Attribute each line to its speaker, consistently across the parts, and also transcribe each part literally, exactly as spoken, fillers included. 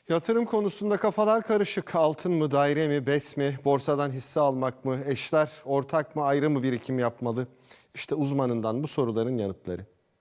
Speaker 1: Yatırım konusunda kafalar karışık. Altın mı, daire mi, BES mi, borsadan hisse almak mı, eşler ortak mı, ayrı mı birikim yapmalı? İşte uzmanından bu soruların yanıtları.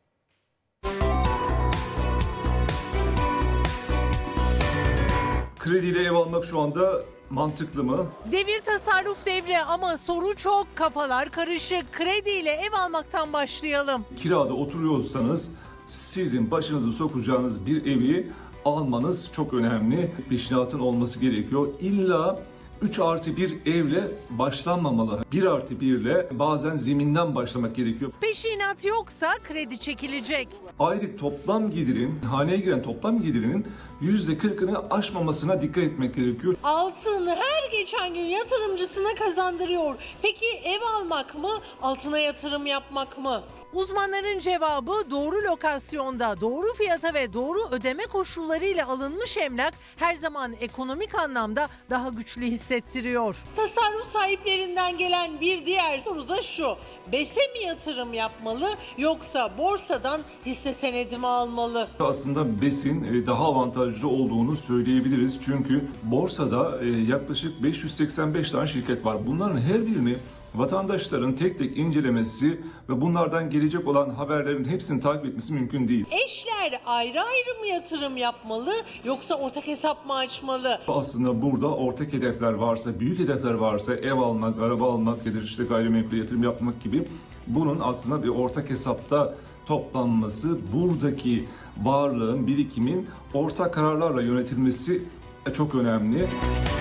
Speaker 2: Krediyle ev almak şu anda mantıklı mı?
Speaker 3: Devir tasarruf devri ama soru çok, kafalar karışık. Krediyle ev almaktan başlayalım.
Speaker 2: Kirada oturuyorsanız sizin başınızı sokacağınız bir evi almanız çok önemli. Peşinatın olması gerekiyor. İlla üç artı bir evle başlanmamalı. bir artı bir ile bazen zeminden başlamak gerekiyor.
Speaker 3: Peşinat yoksa kredi çekilecek.
Speaker 2: Aylık toplam gelirin, haneye giren toplam gelirinin yüzde kırkını aşmamasına dikkat etmek gerekiyor.
Speaker 3: Altın her geçen gün yatırımcısına kazandırıyor. Peki ev almak mı, altına yatırım yapmak mı? Uzmanların cevabı doğru lokasyonda, doğru fiyata ve doğru ödeme koşullarıyla alınmış emlak her zaman ekonomik anlamda daha güçlü hissettiriyor. Tasarruf sahiplerinden gelen bir diğer soru da şu: BES'e mi yatırım yapmalı yoksa borsadan hisse senedi mi almalı?
Speaker 2: Aslında BES'in daha avantajlı olduğunu söyleyebiliriz. Çünkü borsada yaklaşık beş yüz seksen beş tane şirket var. Bunların her birini vatandaşların tek tek incelemesi ve bunlardan gelecek olan haberlerin hepsini takip etmesi mümkün değil.
Speaker 3: Eşler ayrı ayrı mı yatırım yapmalı yoksa ortak hesap mı açmalı?
Speaker 2: Aslında burada ortak hedefler varsa, büyük hedefler varsa, ev almak, araba almak ya da işte gayrimenkul yatırım yapmak gibi, bunun aslında bir ortak hesapta toplanması, buradaki varlığın, birikimin ortak kararlarla yönetilmesi çok önemli.